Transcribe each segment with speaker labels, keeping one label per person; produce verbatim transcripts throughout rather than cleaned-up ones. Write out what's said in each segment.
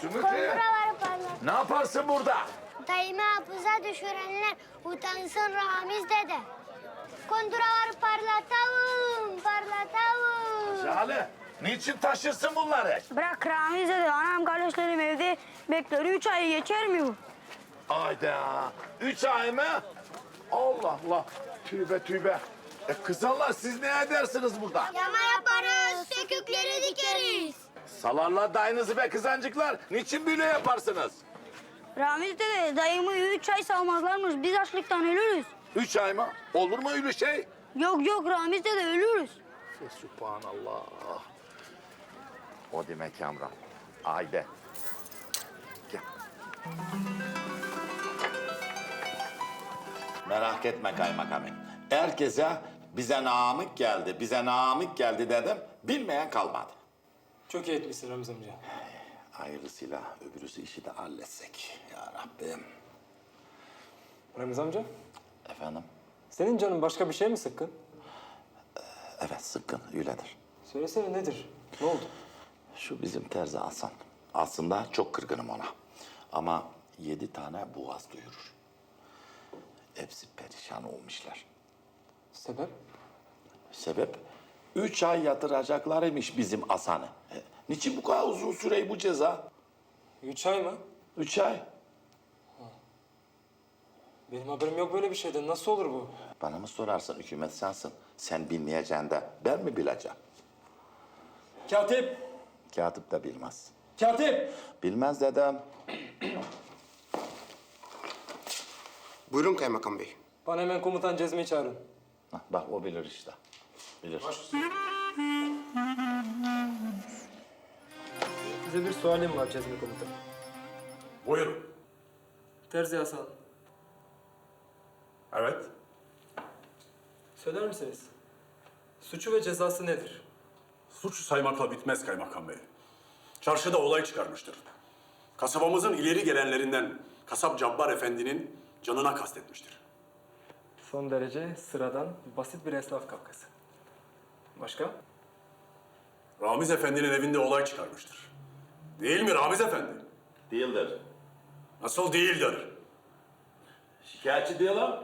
Speaker 1: Sümüklü.
Speaker 2: Kunduraları parlat.
Speaker 1: Ne yaparsın burada?
Speaker 2: Dayımı hapıza düşürenler utansın Ramiz dede. Kunduraları parlatalım, parlatalım.
Speaker 1: Jale, niçin taşırsın bunları?
Speaker 3: Bırak Ramiz dedi. Anam kardeşlerim evde bekler. Üç ay geçer mi bu?
Speaker 1: Ayda, üç ay mı? Allah Allah, tübe tübe. E kızanlar siz ne edersiniz burada?
Speaker 2: Yama yaparız, sökükleri dikeriz.
Speaker 1: Salarlar dayınızı be kızancıklar. Niçin böyle yaparsınız?
Speaker 3: Ramiz dedi dayımı üç ay salmazlarmış. Biz açlıktan ölürüz.
Speaker 1: Üç ay mı? Olur mu öyle şey?
Speaker 3: Yok yok Ramiz dedi ölürüz.
Speaker 1: Subhanallah. O demek Kamran. Haydi. Gel. Merak etme kaymakamım. Herkese bize namık geldi, bize namık geldi dedim. Bilmeyen kalmadı.
Speaker 4: Çok iyi etmişsin Ramiz amca.
Speaker 1: Hayırlısıyla öbürüsü işi de halletsek. Ya Rabbim.
Speaker 4: Ramiz amca,
Speaker 1: Efendim?
Speaker 4: senin canın başka bir şey mi sıkkın?
Speaker 1: Evet sıkkın öyledir.
Speaker 4: Söylesene nedir? Ne oldu?
Speaker 1: Şu bizim terzi Hasan. Aslında çok kırgınım ona. Ama yedi tane boğaz duyurur. Hepsi perişan olmuşlar.
Speaker 4: Sebep?
Speaker 1: Sebep? Üç ay yatıracaklarıymış bizim Hasan'ı. E, niçin bu kadar uzun süreyi bu ceza?
Speaker 4: Üç ay mı?
Speaker 1: Üç ay.
Speaker 4: Benim haberim yok böyle bir şeyden. Nasıl olur bu?
Speaker 1: Bana mı sorarsın hükümet sensin. Sen bilmeyeceksin de ben mi bileceğim?
Speaker 4: Katip!
Speaker 1: Katip de bilmez.
Speaker 4: Katip!
Speaker 1: Bilmez dedem.
Speaker 5: Buyurun kaymakam bey.
Speaker 4: Bana hemen komutan Cezmi'yi çağırın.
Speaker 1: Hah, bak o bilir işte. Bilir.
Speaker 4: Size bir sualim var Cezmi komutan.
Speaker 6: Buyurun.
Speaker 4: Terzi Hasan,
Speaker 6: Evet.
Speaker 4: söyler misiniz? Suçu ve cezası nedir?
Speaker 6: Suç saymakla bitmez kaymakam bey. Çarşıda olay çıkarmıştır. Kasabamızın ileri gelenlerinden kasap Cabbar Efendi'nin canına kastetmiştir.
Speaker 4: Son derece sıradan, basit bir esnaf kavgası. Başka?
Speaker 6: Ramiz Efendi'nin evinde olay çıkarmıştır. Değil mi Ramiz Efendi?
Speaker 1: Değildir.
Speaker 6: Nasıl değildir?
Speaker 1: Şikayetçi diyorlar.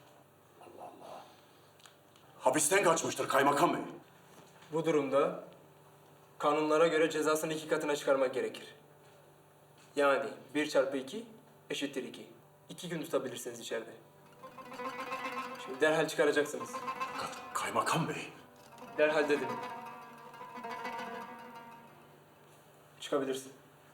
Speaker 6: Hapisten kaçmıştır kaymakam bey.
Speaker 4: Bu durumda kanunlara göre cezasını iki katına çıkarmak gerekir. Yani bir çarpı iki eşittir iki. İki gün tutabilirsiniz içeride. Şimdi derhal çıkaracaksınız.
Speaker 6: Fakat kaymakam bey.
Speaker 4: Derhal dedim. Çıkabilirsin.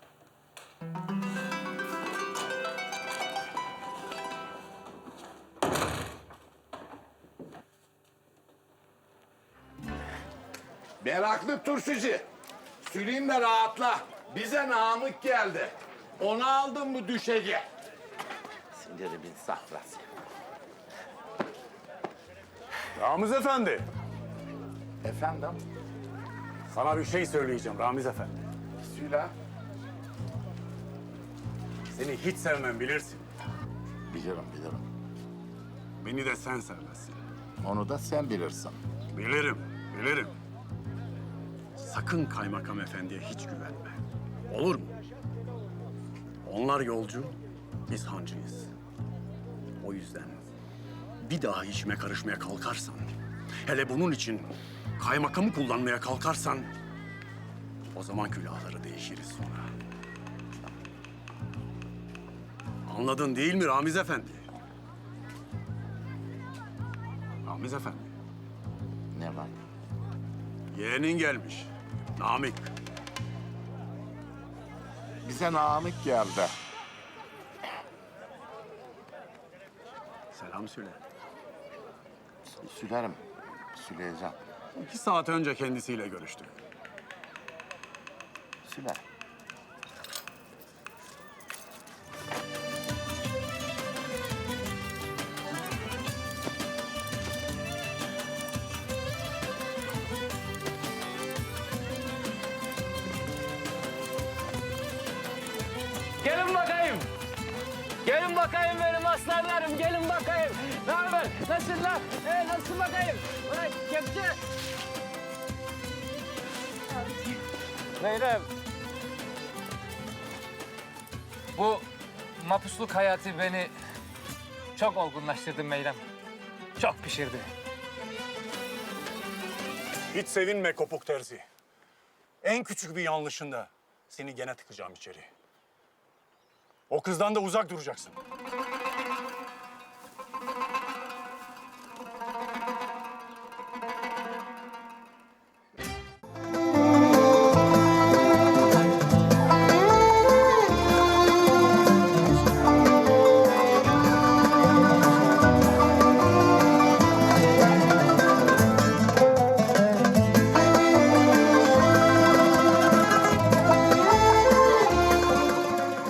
Speaker 1: Meraklı turşucu. Süleyim de rahatla. Bize namık geldi. Onu aldın mı düşeci? Sinirimin sahrası.
Speaker 6: Ramiz Efendi.
Speaker 1: Efendim?
Speaker 6: Sana bir şey söyleyeceğim Ramiz Efendi.
Speaker 1: Söyle.
Speaker 6: Seni hiç sevmem bilirsin.
Speaker 1: Bilirim, bilirim.
Speaker 6: Beni de sen sevmezsin.
Speaker 1: Onu da sen bilirsin.
Speaker 6: Bilirim, bilirim. Sakın kaymakam efendiye hiç güvenme. Olur mu? Onlar yolcu, biz hancıyız. O yüzden bir daha işime karışmaya kalkarsan, hele bunun için kaymakamı kullanmaya kalkarsan, o zaman külahları değişiriz sonra. Anladın değil mi Ramiz Efendi? Ramiz Efendi.
Speaker 1: Ne var?
Speaker 6: Yeğenin gelmiş. Namık.
Speaker 1: Bize namık geldi.
Speaker 6: Selam söyle.
Speaker 1: Sülerim. Süleyeceğim.
Speaker 6: İki saat önce kendisiyle görüştük.
Speaker 1: Süler.
Speaker 7: Gelin bakayım. Gelin bakayım benim aslanlarım. Gelin bakayım. Ne haber? Nasıllar? Ee, nasıl bakayım? Ulan kepçe. Meyrem. Bu mapusluk hayatı beni çok olgunlaştırdı Meyrem. Çok pişirdi.
Speaker 6: Hiç sevinme kopuk terzi. En küçük bir yanlışında seni gene tıkacağım içeri. O kızdan da uzak duracaksın.